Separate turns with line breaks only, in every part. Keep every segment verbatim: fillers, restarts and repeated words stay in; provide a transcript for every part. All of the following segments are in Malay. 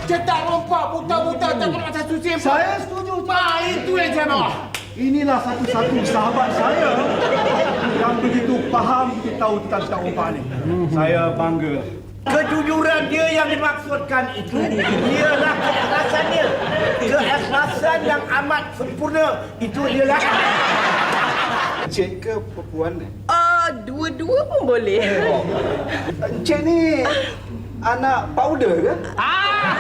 cetak rompak buta-buta tak kena macam susi.
Saya setuju.
Ah, itu yang saya mahu.
Inilah satu-satu sahabat saya yang begitu faham, begitu tahu tentang tentang rompak ni. Saya bangga.
Kejujuran dia yang dimaksudkan itu ialah keikhlasan dia. Keikhlasan yang amat sempurna itu ialah
Encik ke perempuan ni?
Ah, dua-dua pun boleh.
Oh. Encik ni anak powder ke?
Ah,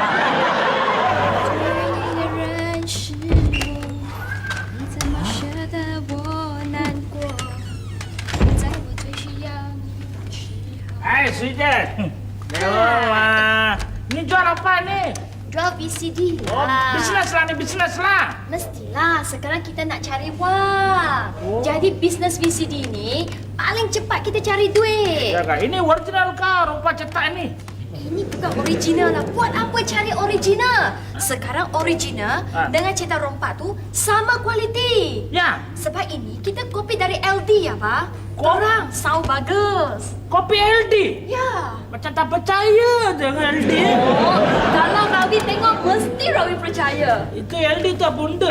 一个人是我，你怎么舍得我难过？在我最需要你的时候。
eh, Sujat. Dewa, ni jual apa ni?
Jual V C D
Oh,
lah.
bisnes lah ni, bisnes lah.
Mestilah, sekarang kita nak cari wang.
Oh.
Jadi bisnes V C D ni paling cepat kita cari duit.
Jaga, ini original kah rompak cetak ni?
Ini bukan original lah. Buat apa cari original? Sekarang original
Ah.
dengan cetak rompak tu sama kualiti.
Ya,
Sebab ini kita kopi dari L D ya, Pak. Korang sound bagus.
kopi L D.
Ya.
Macam tak percaya dengan L D.
Oh, kalau Ravi tengok mesti Ravi percaya.
Itu L D tu apa benda?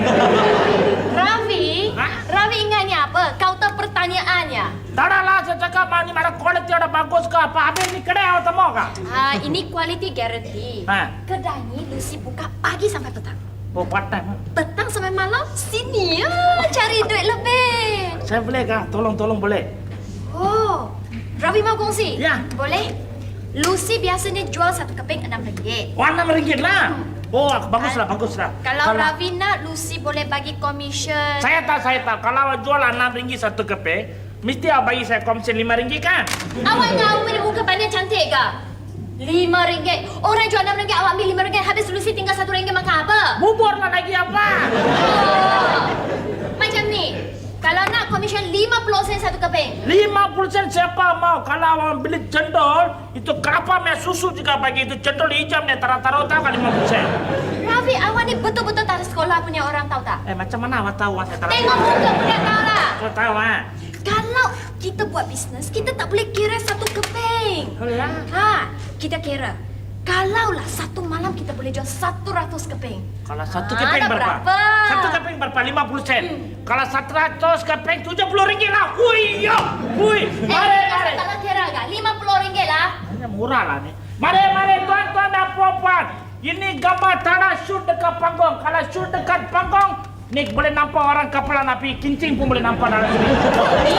Ravi,
Ha?
Ravi ingat ni apa? Kaunter pertanyaannya.
Tak ada lah, saya cakap ni mana kualiti ada bagus ke apa. Habis ni kedai awak temu kah?
Ha, ini quality guarantee.
Ha.
Kedai ni Lucy buka pagi sampai petang.
Oh, part-time.
Petang sampai malam sini ya, cari duit lebih.
Saya boleh kah? Tolong-tolong boleh.
Oh, Ravi mau kongsi?
Ya.
Boleh? Lucy biasanya jual satu keping enam ringgit.
Oh, enam ringgit lah. Oh, baguslah, baguslah.
Kalau Ravi nak, Lucy boleh bagi komisen.
Saya tahu, saya tahu. Kalau awak jual enam ringgit satu keping, mesti awak bagi saya komisen lima ringgit kan?
Awak ingat awak punya muka pandai cantik ke? Lima ringgit. Orang jual enam ringgit, awak ambil lima ringgit. Habis Lucy tinggal satu ringgit makan apa?
Bubur lah lagi apa?
Oh. Macam ni. Kalau nak komisen lima puluh sen satu keping.
lima puluh sen siapa mau? Kalau awak beli cendol, itu kelapa merah susu juga bagi itu cendol hijau ni taruh-taruh tahu kan lima puluh sen.
Rafi, awak ni betul-betul tak ada sekolah punya orang tahu tak?
Eh, macam mana awak tahu awak saya taruh?
Tengok muka pun dah tahu lah.
Saya tahu ah.
Kalau kita buat bisnes, kita tak boleh kira satu keping.
Oh ya?
Ha, kita kira. Kalaulah satu malam kita boleh jual satu ratus keping.
Kalau satu
Ah,
keping
dah
berapa?
berapa?
Satu keping berapa? lima puluh sen. Kalau satu ratus keping tujuh puluh ringgit lah. Hui, yo. Hui.
Eh,
Mari, mari.
kalau kira agak lima puluh ringgit lah.
Hanya murah lah ni. Mari, mari tuan-tuan dan puan-puan. Ini gambar tanah shoot dekat panggung. Kalau shoot dekat panggung, ni boleh nampak orang kepala api. Kincing pun boleh nampak dalam sini.
Ni.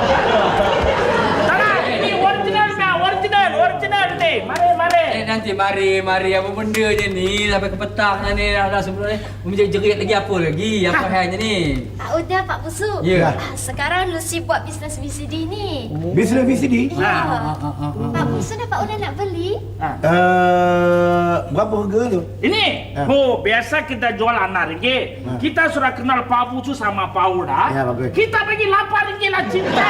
Tanah, ini original ni, original, original ni. Mari, mari.
Eh nanti mari mari apa benda je ni sampai ke petang ni dah dah sebelum ni menjerit lagi apa lagi apa halnya ni.
Tak udah Pak Pusu.
Ya.
Ah, sekarang Lucy buat bisnes V C D ni.
Bisnes V C D?
Ya.
Ah, ah, ah, ah.
Pak Pusu dapat order nak beli?
Uh, berapa harga tu?
Ini,
Ha.
oh biasa kita jual enam ringgit.
Ha.
Kita sudah kenal Pak Bucu sama Pak Uda.
Ya, bagus.
Kita bagi lapan ringgit lah cinta.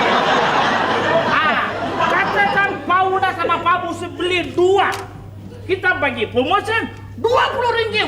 Ah, katakan Pak Uda sama Pak Bucu beli dua. Kita bagi promotion dua puluh ringgit.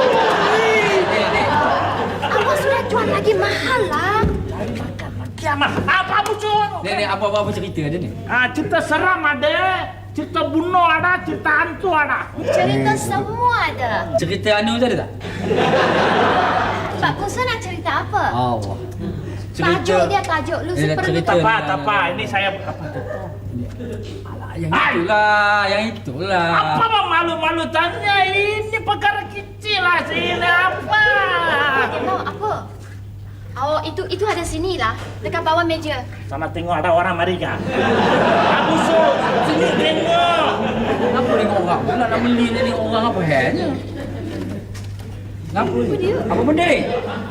Awak sudah jual lagi mahal lah.
Kiamat. Ah, Pak Bucu.
Ni ni apa-apa cerita ada ni?
Ah, cerita seram ada, cerita bunuh ada, cerita hantu ada.
Cerita semua ada.
Cerita anu tu ada tak?
Pak Pusu nak cerita apa?
Allah.
Tajuk dia tajuk. Lucy
Eh,
perlu
cerita.
tahu.
Tak apa, tak apa. Ini saya apa?
Alah yang itulah, yang itulah.
Apa bang malu-malu tanya? Ini perkara kecil lah sini apa?
Dia tahu apa? Oh, itu itu ada sini lah. Dekat bawah meja.
Sana tengok ada orang mari kah? Aku suruh sini tengok.
Apa tengok orang? Pula nak beli ni tengok orang apa halnya? Apa
dia?
Apa benda ni?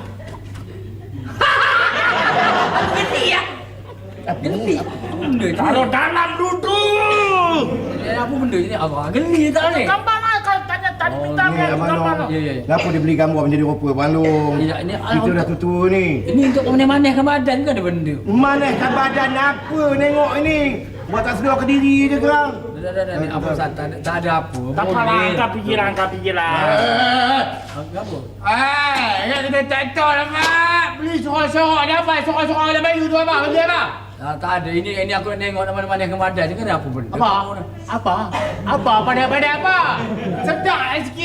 Geli ya?
Geli. Apa benda ni?
Taruh dalam duduk.
Eh, Apa benda ni? Apa geli tak ni?
Gambar lah kalau tanya tadi
Oh,
minta
Ni
gambar.
Abang
gambar.
Long.
Ya, ya, ya.
Kenapa dia beli gambar menjadi rupa balung?
Ya, ini
Kita dah tua-tua ni.
Ini untuk memanah-manahkan badan kan ada benda.
Manahkan badan apa nengok ini? Buat tak sedar ke diri je korang.
Dah dah dah ni apa tak ada tak ada apa.
Tak apa lah, angkat pikiran, angkat pikiran.
Apa?
Eh, nak kena tak tahu lah, Mak. Beli sorok-sorok ni apa? Sorok-sorok ada bayu tu apa? Beli apa?
Ah, tak ada. Ini ini aku nak tengok nak mana-manahkan badan ni kan ada apa benda.
Apa? Apa? Apa? Pada-pada apa? Sedap sikit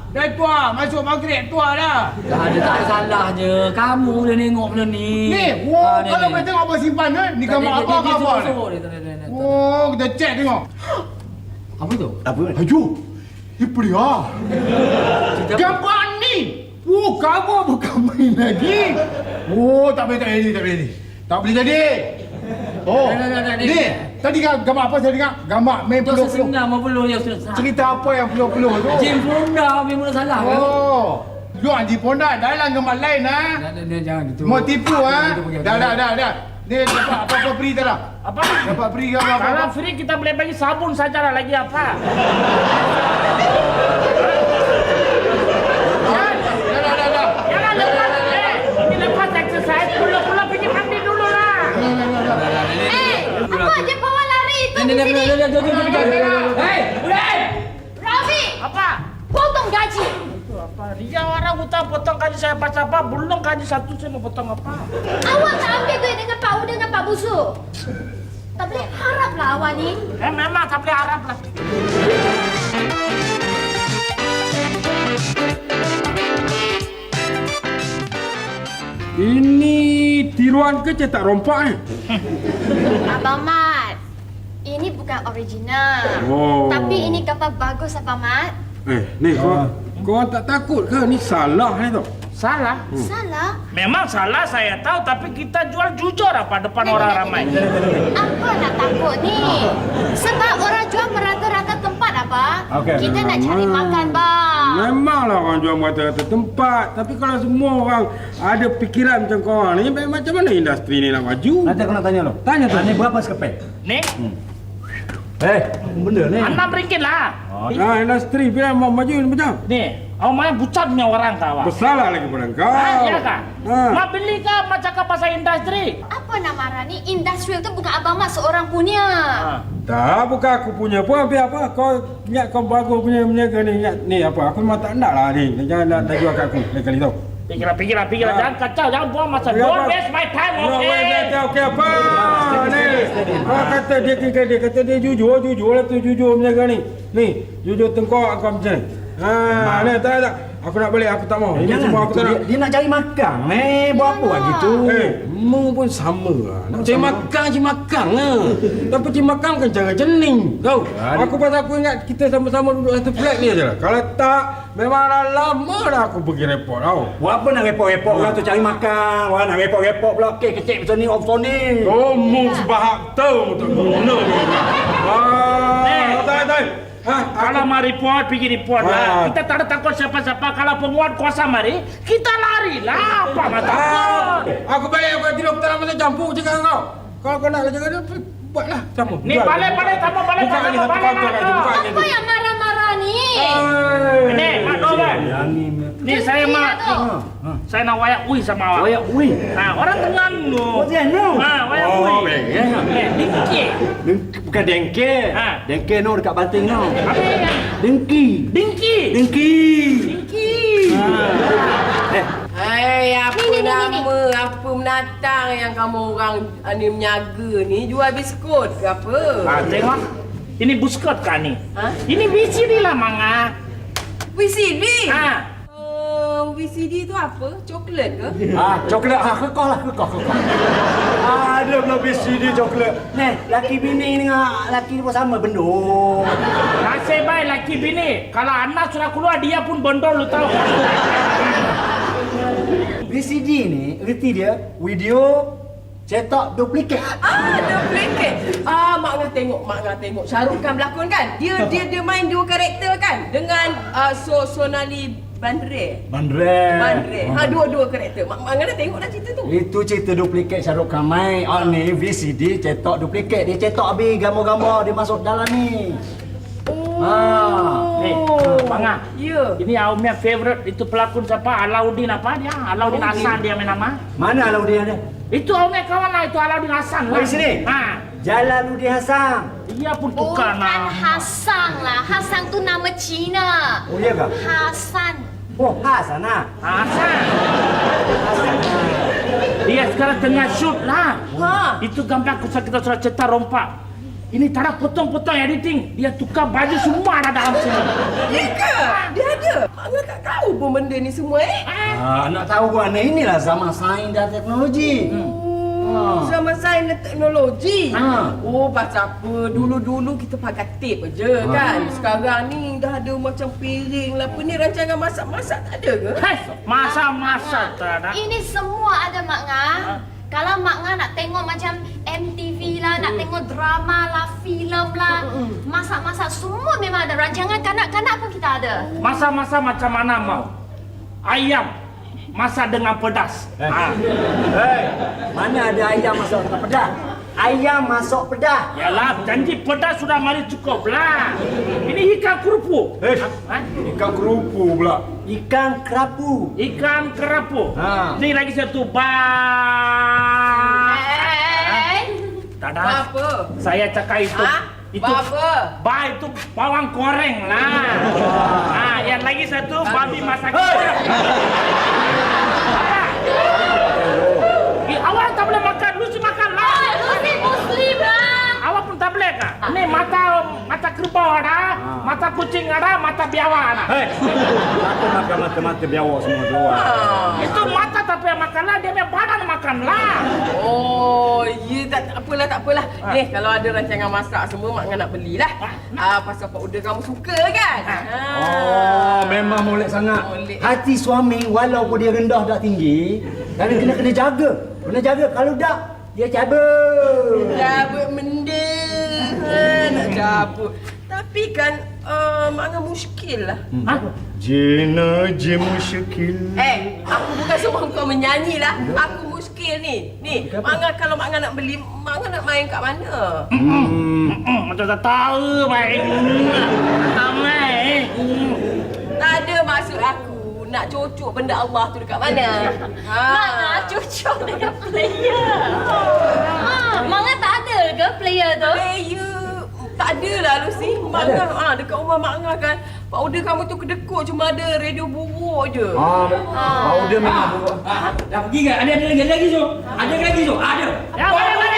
Dah tua, masuk maghrib tua dah.
Dah ada tak ada salah je. Kamu dah tengok benda ni.
Ni, wow,
Ah, ni,
kalau
ni.
kau tengok apa simpan kan? Ni gambar apa ke apa ni? Oh, kita cek tengok.
Apa tu?
Apa?
Ayo. Ipri ah. Gambar ni. Oh, kamu bukan main lagi. Oh, tak boleh tak boleh tak boleh. Tak boleh jadi. Oh,
Dah, dah, dah, dah,
ni.
dah.
Tadi kan gambar apa saya dengar? Gambar main
Itu
peluh-peluh.
sesenam apa peluh ya Ustaz.
Cerita apa yang peluh-peluh tu?
Jim Fonda memang salah kan?
Oh. Lu Haji Ponda dalam gambar lain ha.
Dah, dah, dah, jangan gitu.
Mau tipu ha?
Itu pergi.
Dah dah dah dah. Ni dapat apa-apa free tak dah?
Apa?
Dapat free gambar apa?
Kalau free kita boleh bagi sabun saja lah, lagi apa?
Dah dah dah dah.
Jangan lepas, eh, ini lepas exercise, pula-pula pergi mandi dulu lah.
Eh, apa je bawa lari itu
Ni,
di
ni, ni,
sini?
ni, ni, ni, ni, ni, ni. Hei, budak!
Rafi,
Apa?
potong gaji.
Itu apa? Dia orang hutang potong gaji saya pas apa? Belum gaji satu saya mau potong apa?
Awak tak ambil duit dengan Pak U dengan Pak Busu. Tak boleh haraplah awak ni.
Eh memang tak boleh harap lah.
Ini tiruan ke cetak rompak ni?
Abang Mat, ini bukan original.
Oh.
Tapi ini gambar bagus Abang Mat.
Eh, ni kau kau tak takut ke? Ni salah ni tu.
Salah?
Salah?
Memang salah saya tahu, tapi kita jual jujur apa depan orang ramai.
Apa nak takut ni? Sebab orang jual merata-rata tempat abang.
Okey.
Kita nak cari makan bang.
Memanglah orang jual mata-mata tempat. Tapi kalau semua orang ada fikiran macam kau orang ni, macam mana industri ni nak maju?
Nanti aku nak tanya lo.
Tanya tu.
Ni berapa sekeping?
Nih,
Eh, benda ni.
enam ringgit lah.
Nah, industri bila mau maju ni macam?
Nih, awak main bucat punya orang kawan.
Bersalah lagi pada kau.
Ah, iya kah?
Ha.
Mak beli kah mak cakap pasal industri?
Apa nak marah ni? Industrial tu bukan Abang Mat seorang punya.
Ah.
Tak, bukan aku punya pun. Tapi apa? Kau ingat kau bagus punya menjaga ni. Ingat, ni apa? Aku memang tak nak lah ni. Jangan nak tak jual kat aku. Lain kali tau.
Pikirlah, pikirlah, pikirlah.
Ah.
Jangan kacau, jangan buang masa.
Ya,
Don't
apa?
waste my time,
No,
okay?
wait, okey apa? Ni. Kau kata dia dia, dia kata dia jujur, jujur lah tu jujur menjaga ni. Ni, jujur tengkok kau macam ni. Ha, ni tak tak. Aku nak balik, aku tak mau. Ini semua aku tak nak.
dia, dia nak cari makan. Eh, buat apa lagi tu?
Eh, mu pun sama lah. Nak cari makan, cari makan lah. Tapi cari makan bukan cara jening. Tahu? Aku pasal aku ingat kita sama-sama duduk satu flat ni aja lah. Kalau tak, memang dah lama dah aku pergi report tau.
Buat apa nak repot-repot orang tu cari makan. Orang nak repot-repot pula. Kek kecil macam ni, off ni.
Kamu sebahak tahu tak guna ni. Ah, tak tak. Ha,
Kalau mau report, pergi report
Ah.
lah. Kita tak ada takut siapa-siapa. Kalau penguat kuasa mari, kita lari lah. Apa nak takut?
aku balik aku tidur petang masa campur cakap kau. Kalau kau nak jaga dia, buatlah sama.
Ni balik-balik, sama balik,
Buka
sama
ni satu
balik
kaunter
lah.
lagi, buka ni.
Apa yang marah-marah ni?
Ni, Mak Dolan.
Yang ni.
Ni saya mak. Saya nak wayak ui sama awak.
Wayak ui.
Ha, orang tengan tu.
Oh, dia no.
Ha, wayak ui.
Oh, baik.
Eh, dengki.
Bukan dengke.
Ha.
Dengke no dekat Banting no.
Apa yang?
Dengki.
Dengki.
Dengki.
Dengki.
Eh,
Hai, apa
Ni, ni, ni, ni,
nama, apa menatang yang kamu orang uh, ni menyaga ni? Jual biskut ke apa?
Ha, tengok. Ini buskot kan ni?
Ha?
Ini V C D lah, Manga.
V C D?
Ha.
Uh, V C D tu apa? Coklat ke?
ah, coklat ah, kekok lah, kekok, kekok. Ada pula B C D coklat. Ni, laki bini dengan laki ni pun sama bendung.
Nasib baik laki bini. Kalau anak sudah keluar, dia pun bondol, lu tahu.
B C D ni, erti dia, video cetak duplikat.
Ah, duplicate. Ah, mak ngah tengok, mak ngah tengok. Shahrukh Khan berlakon kan? Dia dia dia main dua karakter kan? Dengan uh, so Sonali Bandre.
Bandre.
Bandre. Ha, dua-dua karakter. Mak mak ngah tengok dah cerita tu.
Itu cerita duplikat Shahrukh Khan main. Ah ni V C D cetak duplikat. Dia cetak habis gambar-gambar dia masuk dalam ni.
Oh.
Ah.
Ni, Manga.
Ya.
Ini aku punya favorite. Itu pelakon siapa? Alauddin apa dia? Alauddin
Alauddin.
Hasan dia main nama.
Mana Alauddin ada?
Itu aku punya kawan lah. Itu Alauddin Hasan lah.
Oh, di sini?
Ha.
Jalaluddin Hasan.
Dia pun tukar
Bukan
nama.
Hasan lah. Hasan tu nama Cina.
Oh iya kah?
Hasan.
Oh Hasan ah.
Hasan. Dia sekarang tengah shoot lah.
Ha.
Itu gambar kita kita sudah cetak rompak. Ini tak ada potong-potong editing. Dia tukar baju semua ada dalam sini.
Ya ke? Dia ada. Mak ngah pun benda ni semua eh?
Ah, nak tahu gua ni inilah zaman sains dan teknologi.
Hmm. Zaman sains dan teknologi.
Ha.
Oh, pasal apa? Dulu-dulu kita pakai tape je kan. Sekarang ni dah ada macam piring lah. Apa ni rancangan masak-masak tak ada ke?
Hei, masa-masa tak ada.
Ini semua ada Mak Nga. Kalau Mak Nga nak tengok macam M T V lah, nak tengok drama lah, filem lah, masak-masak semua memang ada. Rancangan kanak-kanak pun kita ada.
Masa-masa macam mana mau? Ayam masak dengan pedas.
Eh.
Ah.
Hei, mana ada ayam masuk dengan pedas? Ayam masuk pedas.
Yalah, janji pedas sudah mari cukup lah. Ini ikan kerupuk.
Eh,
Ha?
ikan kerupu pula. Ikan kerapu.
Ikan kerapu.
Ha.
Ini lagi satu ba.
Eh,
Tak ada.
Apa?
Saya cakap itu.
Ha?
Itu
Apa?
ba itu bawang goreng lah. Ah, yang lagi satu babi masak. Apa? Eh, awak tak boleh makan, Lucy makan lah.
Lucy Muslim lah.
Awak pun tak boleh kah? Ini mata mata kerbau ada, mata kucing ada, mata biawak ada.
Hei, aku makan mata-mata biawak semua dua.
Itu mata tak payah makan lah, dia punya badan makan lah.
Oh, ya tak, tak apalah, tak apalah. Ni, kalau ada rancangan masak semua, Mak Nga nak belilah. Ah, pasal pak order kamu suka kan? Ha.
Oh, memang molek sangat.
Molek.
Hati suami walaupun dia rendah tak tinggi, tapi kena kena jaga. Kena jaga, kalau tak dia cabut.
Cabut benda. Ha, nak cabut. Tapi kan, uh, Mak Nga muskil lah.
Ha?
Jina je musyakil.
Eh, aku bukan suruh kau menyanyi lah. Aku muskil ni. Ni, Mak Nga kalau Mak Nga nak beli, Mak Nga nak main kat mana?
Hmm, macam tak tahu main. Tak main.
Tak
ada maksud aku nak cocok benda Allah tu dekat mana. Ha.
Mak Nga cocok dengan player. Ha, Mak Nga tak ada ke player tu?
Player tak ada lah Lucy. Mak Nga, ha, dekat rumah Mak Nga kan, pak order kamu tu kedekut cuma ada radio buruk je.
Ah, powder memang buruk.
Ah, dah pergi kan? Ada ada lagi lagi tu. Ada lagi tu. Ada.
Ya, boleh, boleh.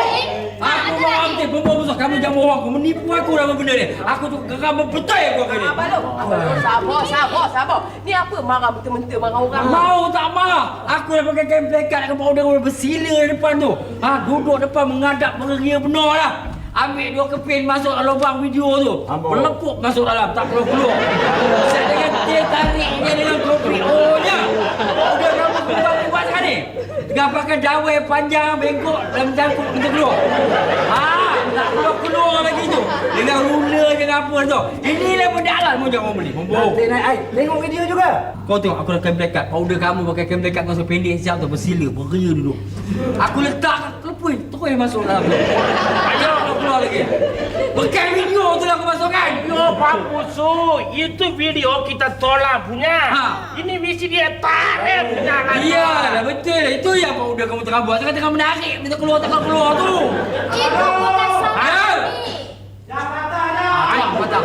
Aku mau ambil benda besar. Kamu jangan bohong. Kamu menipu aku dalam benda ni. Aku tu geram betul aku hari ni.
Abang Long, Abang Long, sabar, sabar, sabar. Ni apa marah mentah-mentah marah orang?
Mau tak marah. Aku dah pakai kain plekat dengan powder bersila di depan tu. Ha, duduk depan mengadap beria benar lah. Ambil dua keping masuk dalam lubang video tu.
Amboi.
Melepuk masuk dalam, tak keluar-keluar. Saya dengan dia tariknya dengan kopi O-nya. Udah kamu buat-buat sekarang ni. Tengah pakai dawai panjang, bengkok, dalam jangkuk kita keluar. Ha, tak keluar-keluar lagi tu. Dengan ruler dengan apa tu. Inilah pendalan mu jangan beli. Membohong.
Nanti naik ai, tengok video juga.
Kau tengok aku dah kain plekat. Powder kamu pakai kain plekat masa pendek siap tu bersila, beria duduk. Aku letak kelepui, terus masuk dalam tu. Ayo keluar lagi. Pakai video tu lah aku masukkan.
Yo, Pak Pusu, itu video kita tolak punya.
Ha.
Ini misi dia tarik punya lah.
Iya, dah betul. Itu yang powder kamu tengah buat. Sekarang tengah menarik, minta keluar tengah keluar tu.
Itu bukan salah
Ya.
ni.
Ah, patah.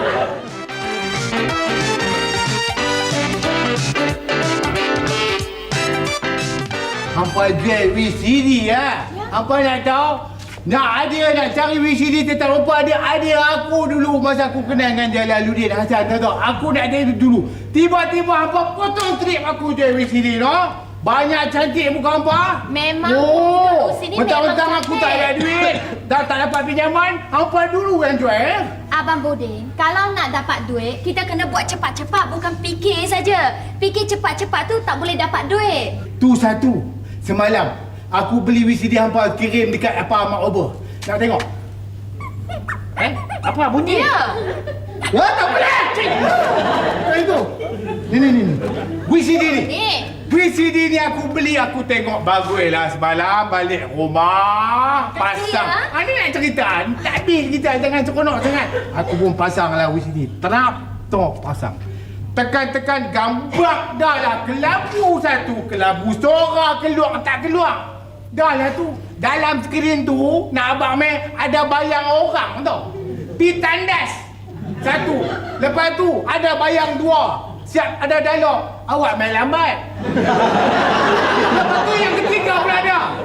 Hampa jual V C D ya. Hampa nak tahu? Nak ada nak cari V C D tak lupa ada ada aku dulu masa aku kenal dengan Jalaluddin Hasan tahu tak? Aku nak ada dulu. Tiba-tiba hampa potong trip aku jual V C D no. Banyak cantik muka hampa.
Memang
Oh,
dulu sini
mentang-mentang
memang
aku
cantik.
tak ada duit, tak tak dapat pinjaman, hampa dulu yang jual eh.
Abang Bodin, kalau nak dapat duit, kita kena buat cepat-cepat, bukan fikir saja. Fikir cepat-cepat tu tak boleh dapat duit.
Tu satu. Semalam aku beli V C D hampa kirim dekat apa Mak Ober. Nak tengok?
Eh, apa bunyi?
Ya.
Ya, tak boleh. Kan itu. Ni ni ni. ni. V C D ni.
Ni.
V C D ni aku beli, aku tengok bagus lah semalam balik rumah pasang.
ya?
Ha, ni nak cerita, tak habis kita jangan seronok sangat. Aku pun pasang lah V C D. Terap, tok pasang. Tekan-tekan gambak dah lah kelabu satu, kelabu suara keluar tak keluar. Dah lah tu. Dalam skrin tu nak abang meh ada bayang orang tau. Pi tandas. Satu. Lepas tu ada bayang dua. Siap ada dialog. Awak main lambat. Lepas tu yang ketiga pula ada. You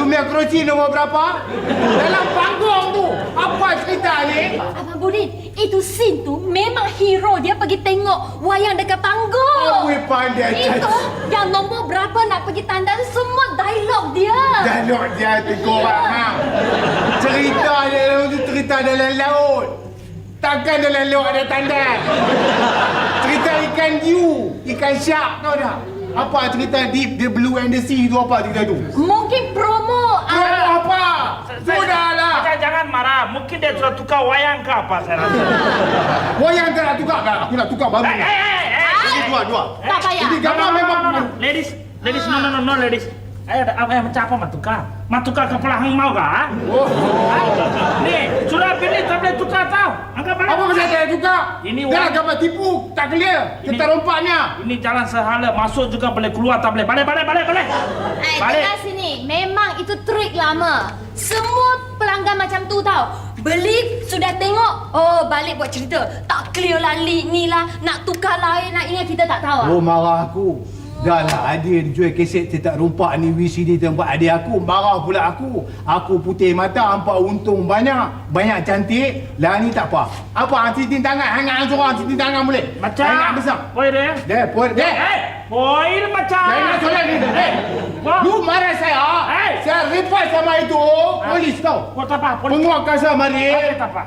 punya kerusi nombor berapa? Dalam panggung tu. Apa cerita ni?
Abang Budin, itu scene tu memang hero dia pergi tengok wayang dekat panggung.
Apa pandai
Itu
cakap.
yang nombor berapa nak pergi tanda semua dialog dia.
Dialog dia tegur ha. Cerita dia tu cerita dalam laut. Takkan dalam laut ada tanda. Cerita ikan hiu, ikan shark tahu tak? Apa cerita Deep the Blue and the Sea tu apa cerita tu?
Mungkin promo.
Promo
ah,
apa? Sudahlah.
Macam jangan marah. Mungkin dia sudah tukar wayang ke apa saya rasa.
Wayang tak nak tukar kan? Aku nak tukar baru.
Eh, eh, eh, eh.
Ini dua, dua.
Tak payah.
Ini gambar
No, no,
memang
no, no, no. Ladies, ladies, no, no, no, no, ladies. Ayo, apa yang macam apa matukar? Matukar kepala hang mau kah?
Oh.
Ni, sudah pilih tak boleh tukar tau. Anggap balik.
Apa pasal saya tukar?
Ini
Dah
wang-
gambar tipu, tak clear.
Ini-
Kita rompaknya.
Ini jalan sehala, masuk juga boleh, keluar tak boleh. Balik, balik, balik, balik.
Eh,
Balik.
dengar sini. Memang itu trik lama. Semua pelanggan macam tu tau. Beli, sudah tengok. Oh, balik buat cerita. Tak clear lah, lead ni lah. Nak tukar lain, nak ini kita tak tahu.
Oh, marah aku. Dah lah, adik jual kaset cetak rompak ni V C D tempat adik aku. Marah pula aku. Aku putih mata, hampa untung banyak. Banyak cantik. Lah ni tak apa. Apa, hang cincin tangan? Hangat seorang cincin tangan boleh?
Macam.
Hangat besar.
Poin dia.
Deh, poin. Deh.
Eh, poin macam.
Jangan solat ni. Eh.
Wah.
Lu marah saya.
Eh.
Saya report sama itu. Polis tau.
Kau tak apa, polis.
Penguat kasar mari.
Tak apa.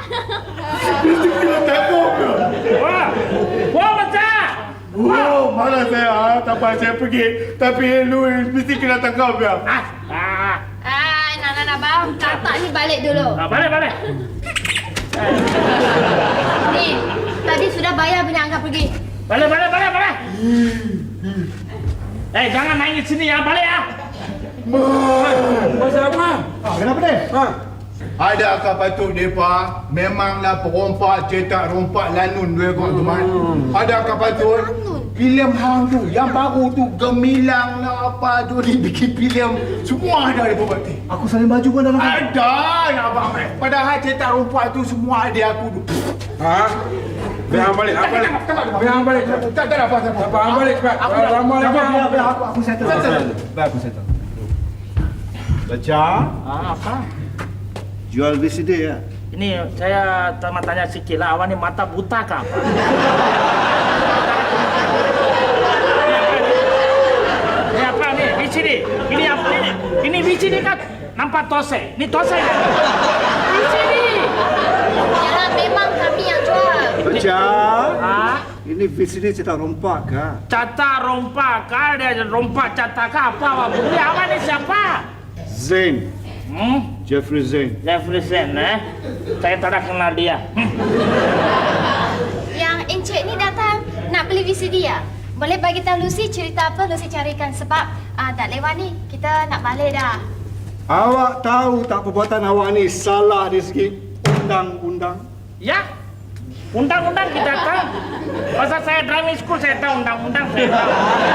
Takut.
Wah, wah macam.
Oh, malah saya. Tak apa, saya pergi. Tapi lu mesti kena tangkap ya.
Ah, ah.
Ah, nak nak nak bang. Kakak ni balik dulu.
Ah, balik, balik.
Ni, tadi sudah bayar punya angkat pergi.
Balik, balik, balik, balik. Eh, jangan nangis sini ya, balik ya.
Pasal apa?
Ah, kenapa ni?
Ha?
Adakah patut mereka memanglah perompak cetak rompak lanun dua kau tu man? Adakah patut filem hang tu yang baru tu gemilang lah apa tu ni bikin filem semua ada dia buat ni.
Aku salin baju pun dalam.
Ada ya abang Mat. Padahal cetak rompak tu semua ada aku tu.
Ha? Biar hang balik, hang balik. Biar hang balik.
Tak tak ada apa apa.
Apa hang balik cepat. Lama lagi.
Biar, biar, biar, aku aku settle. settle. Biar aku settle. Baca.
Ah, apa?
Jual V C D ya.
Ini saya tanya tanya sikit lah, awak ni mata buta ke apa? Ini apa ni? V C D. Ini apa ini? Ini V C D kan? Nampak tose. Ini tose kan? V C D.
Yalah, memang kami yang jual.
Baca.
Ah,
Ini V C D cetak rompak kah?
cata rompak kah? Dia rompak cata kah apa? Awak beli awak ni siapa?
Zain.
Hmm?
Jeffrey Zain.
Jeffrey Zain, eh? Saya tak ada kenal dia. Hmm.
Yang Encik ni datang nak beli V C D ya? Boleh bagi tahu Lucy cerita apa Lucy carikan sebab ah, dah lewat ni. Kita nak balik dah.
Awak tahu tak perbuatan awak ni salah dari segi undang-undang?
Ya? Undang-undang kita tahu. Pasal saya driving school saya tahu undang-undang saya tahu.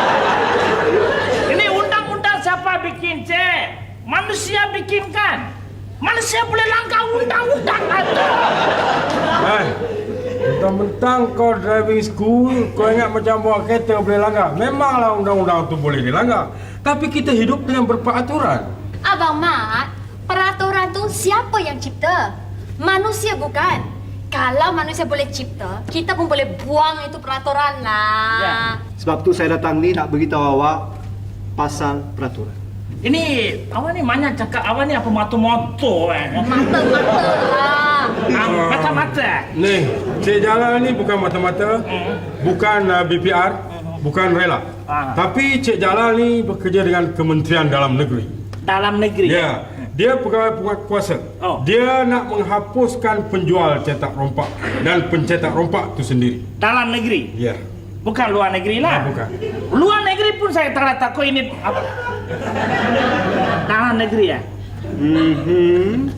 Ini undang-undang siapa bikin, Cik? Manusia bikinkan. Manusia boleh langgar undang-undang ada.
Eh, mentang-mentang kau driving school, kau ingat macam bawa kereta boleh langgar. Memanglah undang-undang tu boleh dilanggar. Tapi kita hidup dengan berperaturan.
Abang Mat, peraturan tu siapa yang cipta? Manusia bukan. Kalau manusia boleh cipta, kita pun boleh buang itu peraturan lah.
Ya.
Sebab tu saya datang ni nak beritahu awak pasal peraturan.
Ini awak ni banyak cakap awak ni apa moto-moto eh.
Mata-mata lah.
Ah, mata-mata.
Ni, Cik Jalal ni bukan mata-mata, bukan uh, B P R, bukan rela.
Ah.
Tapi Cik Jalal ni bekerja dengan Kementerian Dalam Negeri.
Dalam negeri.
Ya, dia pegawai penguasa.
Oh.
Dia nak menghapuskan penjual cetak rompak dan pencetak rompak tu sendiri.
Dalam negeri.
Ya.
Bukan luar negeri lah.
Ah, bukan.
Luar negeri pun saya tak takut ini apa? Dalam negeri ya.
Mhm.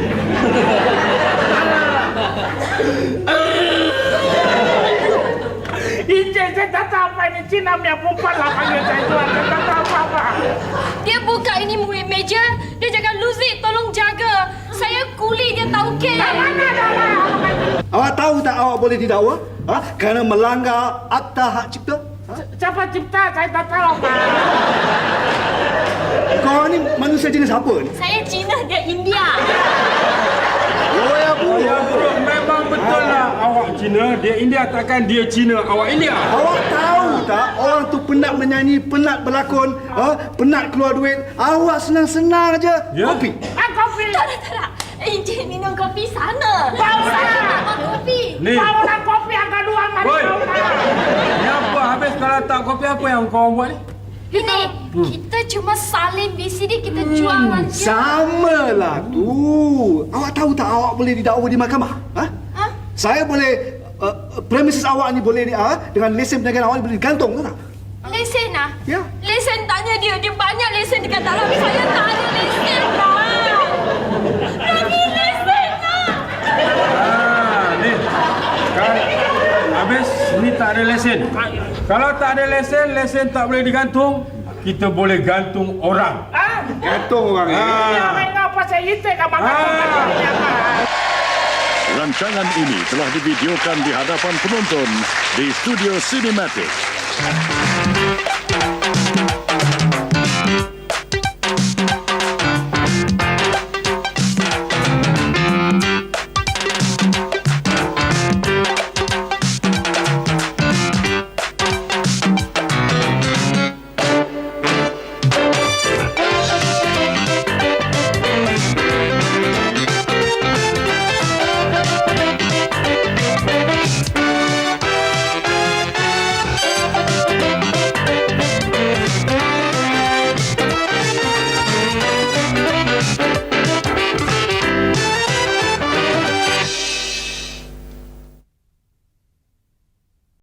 Ini saya tak tahu apa ini Cina punya perempuan lah panggil saya tuan. Saya tak tahu apa-apa.
Dia buka ini murid meja, dia cakap Lucy tolong jaga. Saya kuli dia tahu ke.
Mana dah lah.
Awak tahu tak awak boleh didakwa? Ha? Kerana melanggar Akta Hak Cipta? Ha?
Siapa cipta? Saya tak tahu, Pak.
Kau ni manusia jenis apa ni?
Saya Cina, dia India.
Oh ya bu.
Ya bro, memang betul lah awak Cina, dia India, takkan dia Cina, awak India.
Awak tahu tak orang tu penat menyanyi, penat berlakon, ha? Penat keluar duit. Awak senang-senang aja.
Ya?
Kopi.
Ah, kopi.
Tak, tak, tak. Encik minum kopi sana.
Bau
Saya
lah.
tak mahu kopi.
Ni,
Bau lah kopi angka dua, mari
Boy.
bau lah.
ni apa habis kalau tak kopi apa yang kau buat ni?
Ini, kita cuma salin V C D, kita jual aja.
Sama lah tu. Awak tahu tak awak boleh didakwa di mahkamah? Ha?
Ha?
Saya boleh uh, premises awak ni boleh uh, dengan lesen perniagaan awak boleh digantung tu tak?
Lesen ah?
Ya.
Lesen tanya dia, dia banyak lesen dekat dalam. Saya tak ada lesen lah. Lagi lesen lah.
Ah, ni. Kan habis ni tak ada lesen. Kalau tak ada lesen, lesen tak boleh digantung, kita boleh gantung orang.
Ah,
Gantung orang ni.
ini
Ah.
orang ngapa saya itu kan bangga.
Ah.
Rancangan ini telah divideokan di hadapan penonton di Studio Cinematic.